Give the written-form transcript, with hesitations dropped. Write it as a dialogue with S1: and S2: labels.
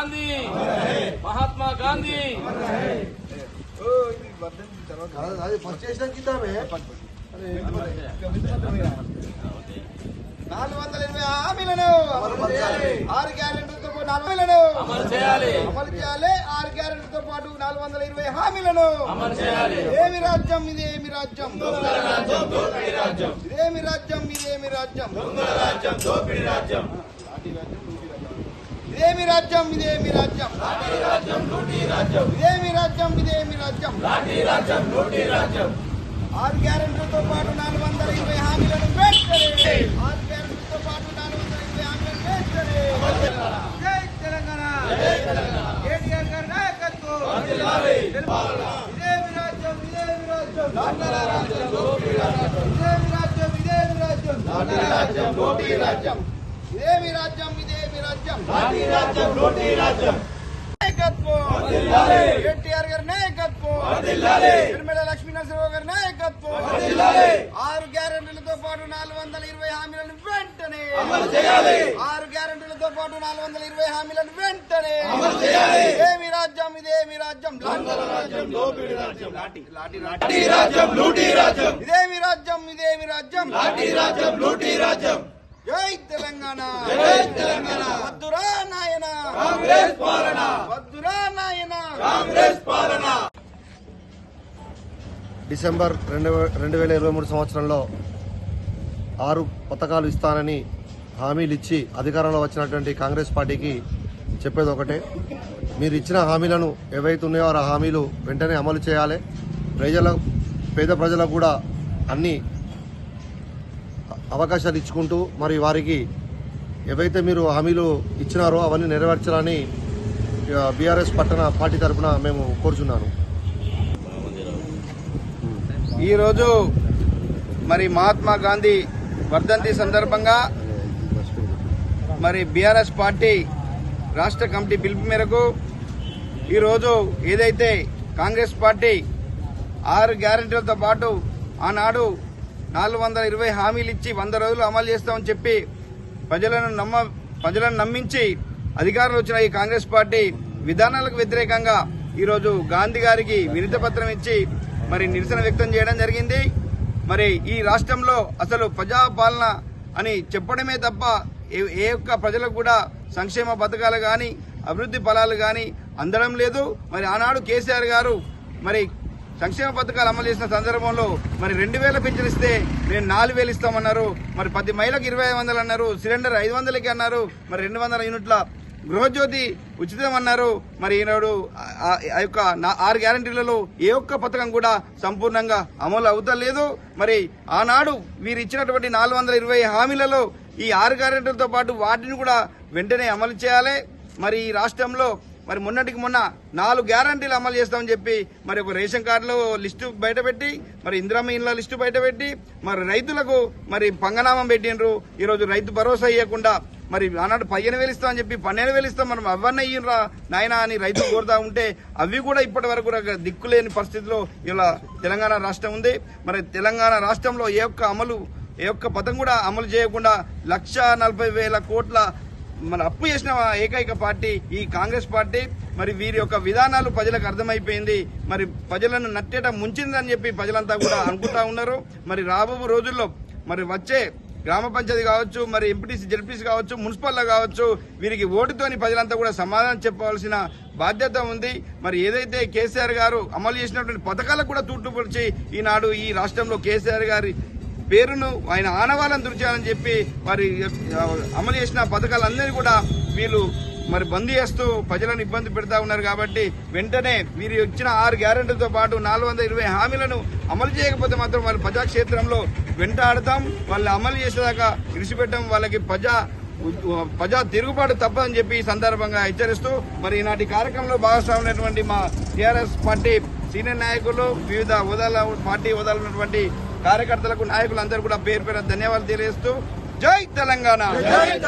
S1: Gandhi Mahatma Gandhi
S2: first చేసిన కిందమే
S3: 420 హామీలను ఆరు గ్యారెంటీలతో పాటు 4 హామీలను
S1: అమలు చేయాలి
S3: 6 గ్యారెంటీలతో పాటు 420 హామీలను
S1: అమలు చేయాలి.
S3: ఇదేమి రాజ్యం ఇదేమి రాజ్యం ఇదేమి రాజ్యం ఇదేమి రాజ్యం
S1: దోపిడీ రాజ్యం
S3: ఇదేమి రాజ్యం ఇదేమి రాజ్యం ఇదేమి రాజ్యం ఇదేమి రాజ్యం
S1: లాఠీ రాజ్యం లూటీ రాజ్యం
S3: 6 గ్యారెంటీలతో పాటు 420 హామీలను వెంటనే 6 గ్యారెంటీలతో పాటు 420 హామీలను వెంటనే జై తెలంగాణ కేటీఆర్ గారి నాయకత్వం ఇదేమి రాజ్యం ఇదేమి రాజ్యం ఇదేమి రాజ్యం ఇదేమి రాజ్యం
S1: లూటీ రాజ్యం
S3: ఇదేమి రాజ్యం ఇదేమి రాజ్యం
S1: లాఠీ రాజ్యం లూటీ రాజ్యం
S3: నాయకత్వం కేటీఆర్ గారి నాయకత్వం నిర్మల లక్ష్మీనరసింహరావు గారి నాయకత్వం 6 గ్యారెంటీలతో పాటు 420 హామీలను వెంటనే 6 గ్యారెంటీలతో పాటు 420 హామీలను వెంటనే ఇదేమి రాజ్యం ఇదేమి రాజ్యం
S1: దోపిడీ రాజ్యం లాఠీ రాజ్యం లూటీ రాజ్యం
S3: ఇదేమి రాజ్యం ఇదేమి రాజ్యం
S1: లాఠీ రాజ్యం లూటీ రాజ్యం
S3: జై తెలంగాణ వద్దురా నాయన
S1: కాంగ్రెస్ పాలన
S3: వద్దురా నాయన
S1: కాంగ్రెస్ పాలన
S2: డిసెంబర్ 2023 సంవత్సరంలో 6 పథకాలు ఇస్తానని హామీలు ఇచ్చి అధికారంలో వచ్చినటువంటి కాంగ్రెస్ పార్టీకి చెప్పేది ఒకటే, మీరు ఇచ్చిన హామీలను ఏవైతే ఉన్నాయో ఆ హామీలు వెంటనే అమలు చేయాలి. పేద ప్రజలకు కూడా అన్ని అవకాశాలు ఇచ్చుకుంటూ మరి వారికి ఏవైతే మీరు హామీలు ఇచ్చినారో అవన్నీ నెరవేర్చాలని బీఆర్ఎస్ పట్టణ పార్టీ తరఫున మేము కోరుచున్నాను.
S3: ఈరోజు మరి మహాత్మా గాంధీ వర్ధంతి సందర్భంగా మరి బీఆర్ఎస్ పార్టీ రాష్ట్ర కమిటీ పిలుపు మేరకు ఈరోజు ఏదైతే కాంగ్రెస్ పార్టీ 6 గ్యారెంటీలతో పాటు ఆనాడు 420 హామీలు ఇచ్చి 100 రోజులు అమలు చేస్తామని చెప్పి ప్రజలను నమ్మించి అధికారంలో వచ్చిన ఈ కాంగ్రెస్ పార్టీ విధానాలకు వ్యతిరేకంగా ఈరోజు గాంధీ గారికి వినతి పత్రం ఇచ్చి మరి నిరసన వ్యక్తం చేయడం జరిగింది. మరి ఈ రాష్ట్రంలో అసలు ప్రజాపాలన అని చెప్పడమే తప్ప ఏ ఒక్క ప్రజలకు కూడా సంక్షేమ పథకాలు కానీ అభివృద్ధి ఫలాలు కానీ అందడం లేదు. మరి ఆనాడు కేసీఆర్ గారు మరి సంక్షేమ పథకాలు అమలు చేసిన సందర్భంలో మరి 2000 పింఛన్ ఇస్తే నేను 4000 ఇస్తామన్నారు. మరి 10 మహిళలకు 2500 అన్నారు. సిలిండర్ 500కి అన్నారు. మరి 200 యూనిట్ల గృహజ్యోతి ఉచితం అన్నారు. మరి ఈనాడు ఆ యొక్క 6 గ్యారెంటీలలో ఏ ఒక్క పథకం కూడా సంపూర్ణంగా అమలు అవుతలేదు. మరి ఆనాడు వీరు ఇచ్చినటువంటి 420 హామీలలో ఈ 6 గ్యారెంటీలతో పాటు వాటిని కూడా వెంటనే అమలు చేయాలి. మరి ఈ రాష్ట్రంలో మరి మొన్నటికి మొన్న 4 గ్యారంటీలు అమలు చేస్తామని చెప్పి మరి ఒక రేషన్ కార్డులో లిస్టు బయటపెట్టి మరి ఇందిరమ్మ ఇండ్ల లిస్టు బయటపెట్టి మరి రైతులకు మరి పంగనామం పెట్టిండ్రు. ఈరోజు రైతు భరోసా ఇవ్వకుండా మరి ఆనాడు 15,000 ఇస్తామని చెప్పి 12,000 ఇస్తాం మనం అవన్నీ ఇయ్యరా నాయన అని రైతులు కోరుతా ఉంటే అవి కూడా ఇప్పటి వరకు దిక్కులేని పరిస్థితిలో ఇలా తెలంగాణ రాష్ట్రం ఉంది. మరి తెలంగాణ రాష్ట్రంలో ఏ ఒక్క పథకం కూడా అమలు చేయకుండా 1,40,000 కోట్ల మన అప్పు చేసిన ఏకైక పార్టీ ఈ కాంగ్రెస్ పార్టీ. మరి వీరి యొక్క విధానాలు ప్రజలకు అర్థమైపోయింది. మరి ప్రజలను నట్టేట ముంచిందని చెప్పి ప్రజలంతా కూడా అనుకుంటా ఉన్నారు. మరి రాబో రోజుల్లో మరి వచ్చే గ్రామ పంచాయతీ కావచ్చు, మరి ఎంపీటీసీ జెడ్పీసీ కావచ్చు, మున్సిపల్లో కావచ్చు, వీరికి ఓటుతోని ప్రజలంతా కూడా సమాధానం చెప్పవలసిన బాధ్యత ఉంది. మరి ఏదైతే కేసీఆర్ గారు అమలు చేసినటువంటి పథకాలకు కూడా తూట్టుపరిచి ఈనాడు ఈ రాష్ట్రంలో కేసీఆర్ గారి పేరును ఆయన ఆనవాళ్ళను దుర్చేయాలని చెప్పి మరి అమలు చేసిన పథకాలందరినీ కూడా వీళ్ళు మరి బంద్ చేస్తూ ప్రజలను ఇబ్బంది పెడతా ఉన్నారు. కాబట్టి వెంటనే వీరు ఇచ్చిన 6 గ్యారెంటీలతో పాటు 420 హామీలను అమలు చేయకపోతే మాత్రం వాళ్ళు ప్రజాక్షేత్రంలో వెంటాడతాం. వాళ్ళు అమలు చేసేదాకా విడిచిపెట్టడం వాళ్ళకి ప్రజా తిరుగుబాటు తప్పదని చెప్పి ఈ సందర్భంగా హెచ్చరిస్తూ మరి ఈనాటి కార్యక్రమంలో భాగస్వామైనటువంటి మా టీఆర్ఎస్ పార్టీ సీనియర్ నాయకులు, వివిధ పార్టీ హోదాలో ఉన్నటువంటి కార్యకర్తలకు, నాయకులందరూ కూడా పేరు ధన్యవాదాలు తెలియజేస్తూ జై తెలంగాణ.